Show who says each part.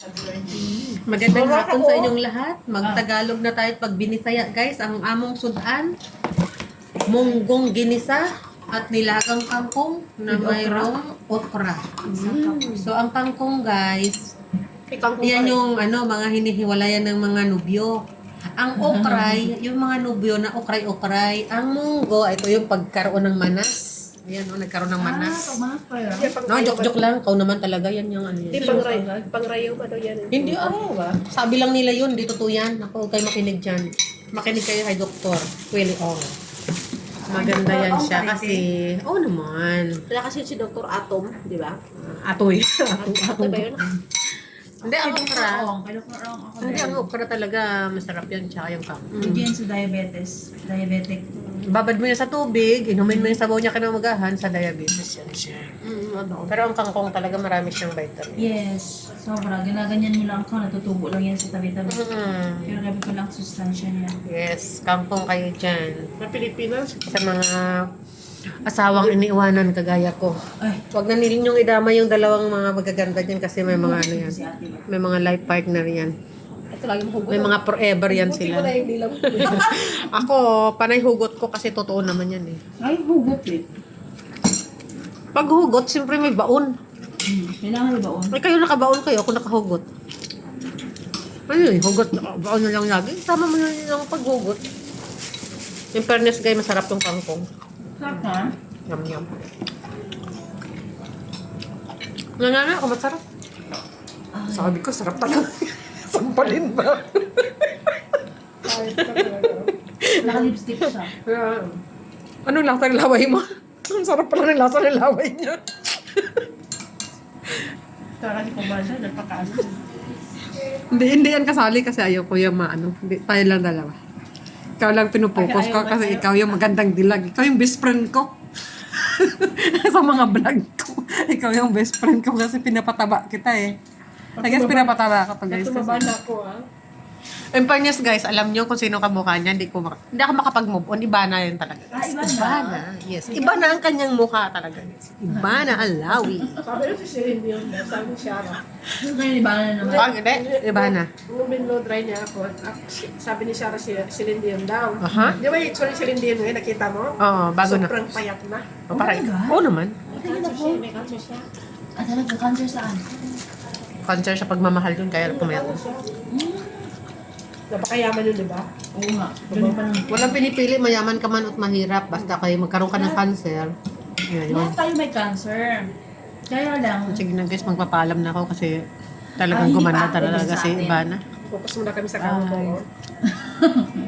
Speaker 1: Magandang hapon sa inyong lahat. Magtagalog na tayo pag binisaya, guys. Ang among sudan, munggong ginisa at nilagang kangkong na mayroong okra. So, ang kangkong, guys, yan yung mga hinihiwalayan ng mga nubyo. Ang okray, yung mga nubyo na okray-okray. Ang munggo, ito yung pagkaroon ng manas. Ayan, nagkaroon ng manas. No, joke-joke lang. Kau naman talaga, yan yung ano yan.
Speaker 2: Hindi, pangrayaw ka daw yan.
Speaker 1: Hindi, sabi lang nila yun, di totoo yan. Ako, kayo makinig dyan. Makinig kayo kay Dr. Willie Ong. Maganda yan siya kasi, naman.
Speaker 2: Wala kasi si Dr. Atom, di ba?
Speaker 1: Atoy.
Speaker 2: Atom ba yun?
Speaker 1: Hindi, ang okra.
Speaker 3: Kay Dr. Ong ako
Speaker 1: Hindi,
Speaker 3: din.
Speaker 1: ang okra talaga, masarap yan, tsaka yung
Speaker 3: Hindi yan sa diabetes. Diabetic.
Speaker 1: Babad mo yan sa tubig, inumin mo yung sabaw niya kinamagahan sa diabetes yan siya. Pero ang kangkong talaga marami siyang vitamin.
Speaker 3: Yes. Sobra. Ginaganyan mo lang ako. Natutubo lang yan sa tabi-tabi. Pero gabi ko lang sustansya niya.
Speaker 1: Yes, kangkong kayo dyan.
Speaker 2: Na Pilipinas.
Speaker 1: Sa mga asawang iniiwanan kagaya ko.
Speaker 3: Ay.
Speaker 1: Huwag na ninyong idama yung dalawang mga magaganda dyan kasi may mga ano yan.
Speaker 3: Si ate ba?
Speaker 1: May mga life partner yan.
Speaker 2: Ito lagi mo hugot.
Speaker 1: May mga forever yan
Speaker 2: Buti
Speaker 1: sila.
Speaker 2: ko na hindi lang.
Speaker 1: Ako, panay hugot ko kasi totoo naman yan eh.
Speaker 3: Ay, hugot eh.
Speaker 1: Pag hugot, siyempre may baon.
Speaker 3: Kailangan ba baon?
Speaker 1: Ay, kayo nakabaon kayo, ako nakahugot. Ano yun, hugot, baon na lang lagi. Tama mo na yun ang paghugot. In fairness, guys, masarap yung kangkong.
Speaker 3: Sarap ha?
Speaker 1: Yum. Nanana ako, masarap. Sabi ko, sarap talaga. Sampalin ba?
Speaker 3: Naka-lipstick siya.
Speaker 1: Anong lasa ng laway mo? Ang sarap pala ng lasa ng laway niya.
Speaker 3: Saka si Kumbasa, nagpakaano.
Speaker 1: Hindi yan kasali kasi ayaw ko yung maano. Tayo lang dalawa. Ikaw lang pinupokus ko kasi ikaw yung magandang dilag. Ikaw yung best friend ko. Sa mga vlog ko. Ikaw yung best friend ko kasi pinapataba kita eh. I guess pinapataba ka to guys.
Speaker 2: Tumaba na ako
Speaker 1: In fairness guys, alam niyo kung sino kamukha niya. Hindi ako makapag-move on. Iba na yun talaga.
Speaker 3: Iba na?
Speaker 1: Yes. Iba na ang kanyang mukha talaga. Guys. Iba na ang lawi.
Speaker 2: Sabi na si Celine Dion, sabi ni Shara.
Speaker 3: Ngayon, iba na naman.
Speaker 1: Hindi. Iba na.
Speaker 2: Nung binlow dry niya ako, sabi ni Shara si Celine Dion daw.
Speaker 1: Aha.
Speaker 2: Di ba yung Celine Dion ngayon, nakita mo?
Speaker 1: Oo, bago na.
Speaker 2: Sobrang payat na.
Speaker 1: Parang,
Speaker 3: God.
Speaker 1: oo naman.
Speaker 2: May cancer siya.
Speaker 3: Talaga, cancer saan?
Speaker 1: Cancer sa pagmamahal yun, kaya pumayat.
Speaker 2: Napakayaman yun, di ba?
Speaker 3: Oo nga. Ganun pa naman.
Speaker 1: Walang pinipili, mayaman ka man at mahirap. Basta kayo magkaroon ka ng cancer. Yan, yun.
Speaker 3: Lahat tayo may cancer. Kaya lang,
Speaker 1: Sige na guys, magpapaalam na ako kasi talagang
Speaker 3: hindi
Speaker 1: gumanda
Speaker 3: pa.
Speaker 1: talaga
Speaker 3: Sa
Speaker 1: si
Speaker 3: atin.
Speaker 1: Ivana.
Speaker 2: Focus muna kami sa kamo ko.